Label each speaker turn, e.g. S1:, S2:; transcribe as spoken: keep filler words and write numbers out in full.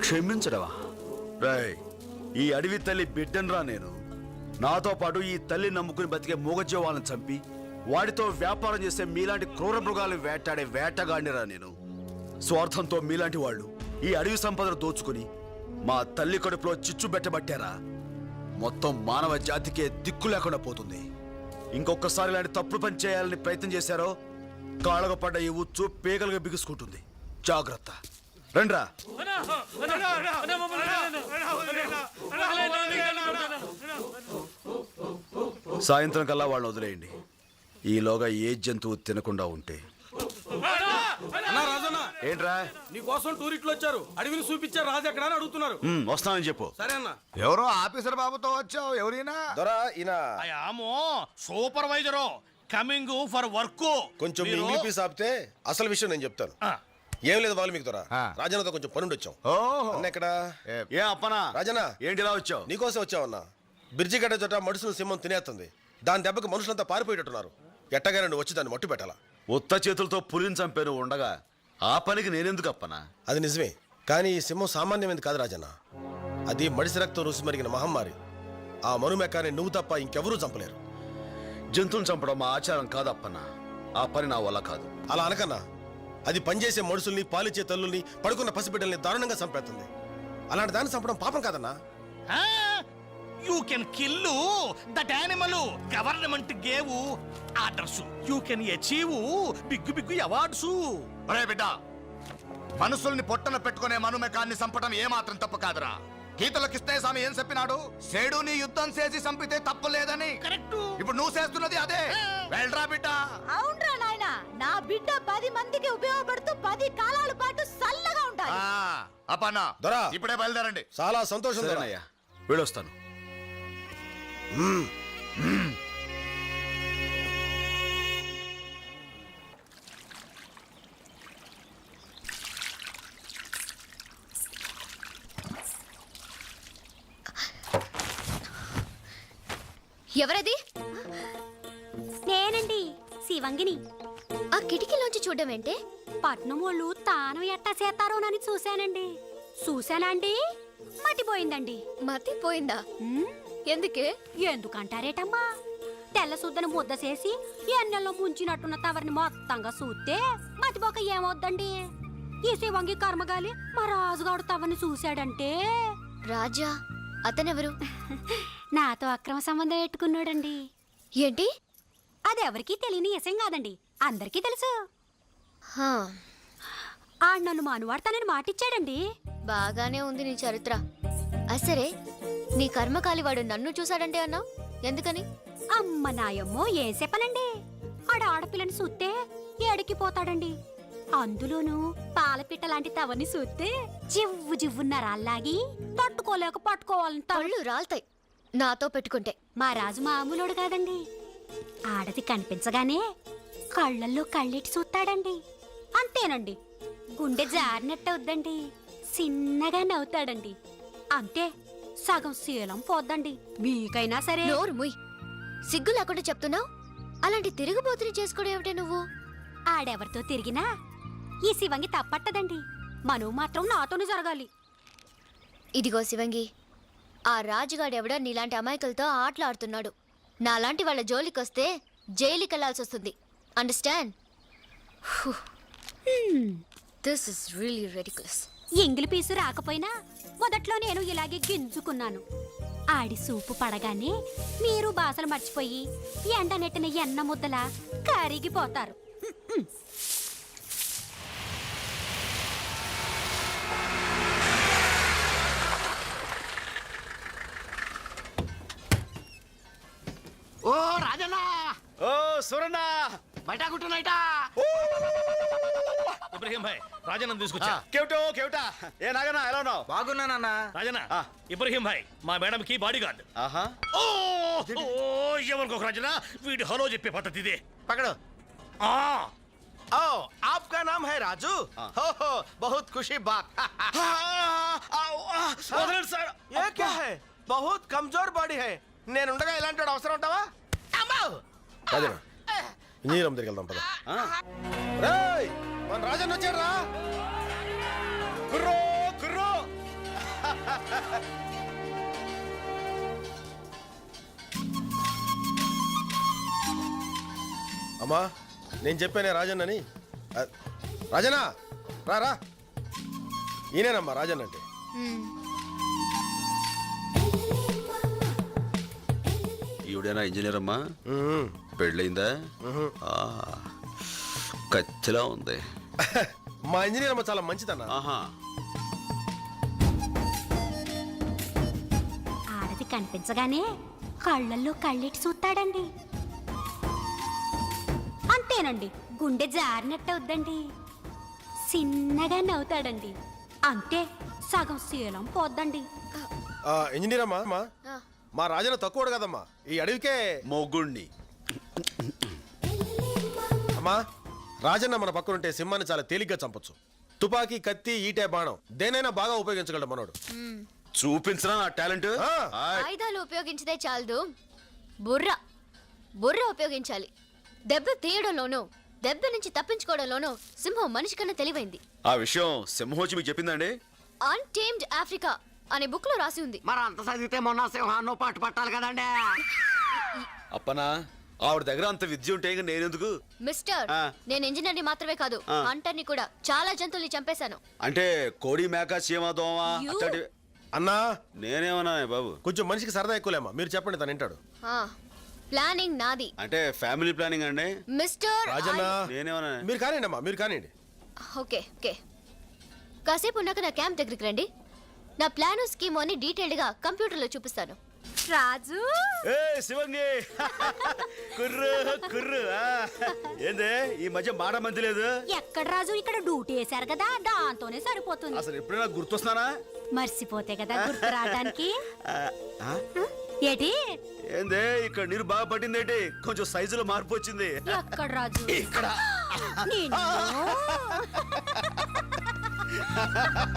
S1: క్షమించడవా? రేయ్, ఈ అడవి తల్లి బిడ్డనరా నేను. నాతో పాటు ఈ తల్లి నమ్ముకుని బతికే మూగజీవాలను చంపి వాడితో వ్యాపారం చేసే మీలాంటి క్రూర మృగాలు వేటాడే వేటగాడినిరా నేను. స్వార్థంతో మీలాంటి వాళ్ళు ఈ అడవి సంపదను దోచుకుని మా తల్లి కడుపులో చిచ్చు పెట్టబట్టారా. మొత్తం మానవ జాతికే దిక్కు లేకుండా పోతుంది. ఇంకొకసారి ఇలాంటి తప్పుడు పని చేయాలని ప్రయత్నం చేశారో కాళ్ళకు పడ్డ ఈ ఉచ్చు పేగలుగా బిగుసుకుంటుంది. జాగ్రత్త. రండ్రా. సాయంత్రం కల్లా వాళ్ళని వదిలేయండి. ఈలోగా ఏ జంతువు తినకుండా ఉంటే. ఏంట్రా?
S2: నీకోసం టూరిస్టులు వచ్చారు, అడవిని చూపించారు. రాజు ఎక్కడ అని అడుగుతున్నారు.
S1: వస్తానని చెప్పు.
S2: సరే అన్న.
S3: ఎవరో ఆఫీసర్ బాబుతో వచ్చావు. ఎవరైనా
S4: దొరా ఈయన
S5: సూపర్వైజరు కమింగ్ ఫర్ వర్క్.
S4: కొంచెం ఇంగ్లీష్ ఆపితే అసలు విషయం నేను చెప్తాను. ఏం లేదు వాళ్ళు మీకు దొరా రాజన్నతో కొంచెం పనుండి వచ్చాం. అన్న ఎక్కడ?
S1: ఏ అప్పనా?
S4: రాజన్న
S1: ఏంటిలా వచ్చావు?
S4: నీకోసం వచ్చావన్నా. బ్రిడ్జి గడ్డ చోట మనుషులు సింహం తినేస్తుంది. దాని దెబ్బకి మనుషులంతా పారిపోయేటట్టున్నారు. ఎట్టగానే నువ్వు వచ్చి దాన్ని మట్టు పెట్టాలా.
S1: ఉత్త చేతులతో పులిని చంపాను ఉండగా ఆ పనికి నేనెందుకు అప్పనా?
S4: అది నిజమే, కానీ ఈ సింహం సామాన్యమైనది కాదు రాజన్న. అది మడిసి రక్తం రుసి మరిగిన మహమ్మారి. ఆ మనుమెక్కాన్ని నువ్వు తప్ప ఇంకెవరూ చంపలేరు.
S1: జంతువులు చంపడం మా ఆచారం కాదప్పన్నా. ఆ పని నా వల్ల కాదు.
S4: అలా అనకన్నా. అది పనిచేసే మనుషుల్ని, పాలిచ్చే తల్లుల్ని, పడుకున్న పసిబిడ్డల్ని దారుణంగా చంపేస్తుంది. అలాంటి దాన్ని చంపడం పాపం కాదన్నా.
S5: You can kill that animal. Government gave orders. You can achieve big big awards.
S3: ఒరే బిడ్డ, మనుషుల్ని పొట్టన పెట్టుకునే మనుమెకాన్ని చంపడం ఏమాత్రం తప్పు కాదురా. గీతలో కృష్ణస్వామి ఏం చెప్పినాడు? సేడుని యుద్ధం చేసి చంపితే తప్పు లేదని.
S5: కరెక్ట్.
S3: ఇప్పుడు నువ్వు చేస్తున్నది అదే. వెళ్ళరా బిడ్డ.
S6: అవునరా నాయనా, నా బిడ్డ పది మందికి ఉపయోగపడుతూ పది కాలాల పాటు చల్లగా ఉంటాయి.
S3: అపన్నా
S4: దొరా
S3: ఇప్పుడే బయలుదేరండి.
S4: చాలా సంతోషం.
S1: సరేనయ్యా, వెళ్ళొస్తాను.
S7: ఎవరది?
S6: నేనండి, శివంగిని.
S7: ఆ కిటికీలోంచి చూడడం ఏంటే?
S6: పట్నం వాళ్ళు తాను ఎట్టా చేస్తారోనని చూశానండి. చూశానండి, మతిపోయిందండి.
S7: మతిపోయిందా? ఎందుకే?
S6: ఎందుకంటారేటమ్మా? తెల్ల సుద్దని ముద్ద చేసి ఎన్నెల్లో ముంచినట్టున్న తవరిని మొత్తంగా చూస్తే మతిపోక ఏమవుద్దండి? ఈ శివంగి కర్మగాలి మా రాజుగాడు తవరిని చూశాడంటే.
S7: రాజా? అతనెవరు?
S6: నాతో అక్రమ సంబంధం పెట్టుకున్నాడండి.
S7: ఏంటి?
S6: అదెవరికీ తెలియని విషయం కాదండి, అందరికీ తెలుసు. ఆ నన్ను మానువాడతానని మాటిచ్చాడండి.
S7: బాగానే ఉంది నీ చరిత్ర. అసరే, నీ కర్మకాలివాడు నన్ను చూశాడంటే అన్నావు, ఎందుకని?
S6: అమ్మ నాయమ్మో, ఏం చెప్పనండి. ఆడ ఆడపిల్లని చూస్తే ఏడికిపోతాడండి. అందులోనూ పాలపిట్ట లాంటి తవని చూస్తే జివ్వు జివ్వున్న రాళ్ళాగి తట్టుకోలేక పట్టుకోవాలని
S7: తళ్ళు రాల్తాయి నాతో పెట్టుకుంటే.
S6: మా రాజు మామూలుడు కాదండి. ఆడది కనిపించగానే కళ్ళల్లో కళ్ళెట్టి చూస్తాడండి. అంతేనండి, గుండె జారినట్టవుద్దండి. చిన్నగా నవ్వుతాడండి. అంతే, సగం శీలం పోద్దండి. మీకైనా సరే.
S7: నోరు ముయ్. సిగ్గు లేకుండా చెప్తున్నావు. అలాంటి తిరుగుబోతుని చేసుకోవడం ఏమిటే నువ్వు?
S6: ఆడెవరితో తిరిగినా ఈ శివంగి తప్పట్టదండి. మనవు మాత్రం నాతోనే జరగాలి.
S7: ఇదిగో శివంగి, ఆ రాజుగాడెవడో నీలాంటి అమాయకులతో ఆటలాడుతున్నాడు. నాలాంటి వాళ్ళ జోలికొస్తే జైలుకి వెళ్లాల్సి వస్తుంది. Understand? This is really ridiculous.
S6: ఎంగిలి పీసు రాకపోయినా మొదట్లో నేను ఇలాగే గింజుకున్నాను. ఆడి సూపు పడగానే మీరు బాసలు మర్చిపోయి ఎండ నెట్టిన ఎన్న ముద్దలా కరిగిపోతారు.
S5: ఓ రాజన్న,
S1: ఓ సురన్న,
S5: బయట కుట్టునైటా. ఇబ్రహీం భాయ్, రాజన్న తీసుకొచ్చా.
S1: కేవటో కేవటా. ఏ నాగనా, ఎలా ఉన్నావు?
S2: బాగున్నానన్న.
S5: రాజన్న, ఇబ్రహీం భాయ్ మా మేడం కి బాడీ గార్డ్.
S1: ఆహా.
S5: ఓ ఎవరికొక రాజన్న, వీడి హలో చెప్పే పద్ధతి ఇదే.
S2: పకడో.
S5: ఆ
S2: ओ आपका नाम है राजू? हो हो बहुत खुशी बात.
S1: వదలండి సార్.
S2: ये क्या है? बहुत कमजोर बॉडी है. నేనుండగా ఇలాంటి వాడు అవసరం ఉంటావా?
S4: రాజన్న, ఇంజనీరం దగ్గరికి వెళ్దాం పద. రేయ్, మన రాజన్న వచ్చాడు రా.
S1: కుర్రో కుర్రో,
S4: అమ్మా నేను చెప్పానే రాజన్నని ఆ, రాజన్న రా రా ఈయనేనమ్మా రాజన్న అంటే
S7: మ్మ్.
S1: ఈవిడేనా ఇంజనీర్ అమ్మా?
S4: ఉమ్,
S1: పెళ్ళయిందా?
S4: ఉహు.
S1: ఆ, కచ్చిలా ఉంది.
S4: మా ఇంజనీర్ అమ్మ చాలా మంచిదన్న.
S1: ఆహా.
S6: ఆడది కనిపించగానే కళ్ళల్లో కళ్ళెట్టి చూస్తాడండి. అంతేనండి, గుండె జారినట్టు అవుద్దండి. చిన్నగా నవ్వుతాడండి. అంతే, సగం శీలం పోద్దండి.
S4: ఆ, ఇంజనీర్ అమ్మా అమ్మా,
S7: ఆ,
S4: మా రాజన్న తక్కువడు కదమ్మా, ఈ అడవికే.
S1: మొగుణ్ణి.
S4: అమ్మా రాజన్న మన పక్కనుంటే సింహాన్ని చాలా తేలిగ్గా చంపొచ్చు. తుపాకీ, కత్తి, ఈటే, బాణం దేనైనా బాగా ఉపయోగించగలడు మనోడు.
S7: మ్మ్.
S1: చూపించరా నా టాలెంట్?
S4: ఆ.
S7: ఆయుధాలు ఉపయోగించదే చాలదు, బుర్ర బుర్ర ఉపయోగించాలి. దెబ్బ తీయడంలోనూ దెబ్బ నుంచి తప్పించుకోవడంలోనూ సింహం మనిషి కన్నా తెలివైంది.
S1: ఆ విషయం సింహోచి మీకు చెప్పిందండి?
S7: అన్టేమ్డ్ ఆఫ్రికా అనే బుక్ లో రాసి ఉంది.
S8: మరి అంత చదివితే మొన్న సింహాన్నో పాటు పట్టాలి కదండి.
S1: అప్పనా, ఆవిడ దగ్గర అంత విద్య ఉంటే ఇంకా నేనెందుకు?
S7: మిస్టర్,
S1: ఆ.
S7: నేను ఇంజనీర్ ని మాత్రమే కాదు,
S1: ఆ.
S7: హంటర్ ని కూడా. చాలా జంతువుల్ని చంపేశాను.
S1: అంటే కోడి, మేక, చీమ, దోమ
S6: యూ.
S1: అట్లాంటి.
S4: అన్నా
S1: నేనేమన్నా బాబు?
S4: కొంచెం మనిషికి సరదా ఎక్కువలేమ్మా, మీరు చెప్పండి తను వింటాడు.
S7: ఆ, ప్లానింగ్ నాది.
S1: అంటే ఫ్యామిలీ ప్లానింగ్ అండి.
S7: మిస్టర్
S4: రాజన్న
S7: ఐ-
S1: నేనేమన్నా?
S4: మీరు కానివ్వండి అమ్మా, మీరు కానివ్వండి.
S7: ఓకే ఓకే కాసేపు ఉన్నాక నా క్యాంప్ దగ్గరికి రండి. నా ప్లాను స్కీమ్ అని డీటెయిల్డ్ గా కంప్యూటర్ లో చూపిస్తాను.
S6: రాజు,
S1: ఏ శివంగి, కుర్రు కుర్రు. ఆ, ఏందే ఈ మధ్య మాట మంది లేదు?
S6: ఎక్కడ రాజు, ఇక్కడ డ్యూటీ వేశారు కదా, దాంతోనే సరిపోతుంది.
S1: అసలు ఎప్పుడైనా గుర్తొస్తున్నానా?
S6: మర్చిపోతే కదా గుర్తు రావడానికి.
S1: ఆ, ఆ?
S6: ఏటి
S1: ఏందే ఇక్కడ నీరు బాగా పట్టిందేటి? కొంచెం సైజులో మార్పు వచ్చింది.
S6: ఎక్కడ రాజు?
S1: ఇక్కడ.
S6: నిన్ను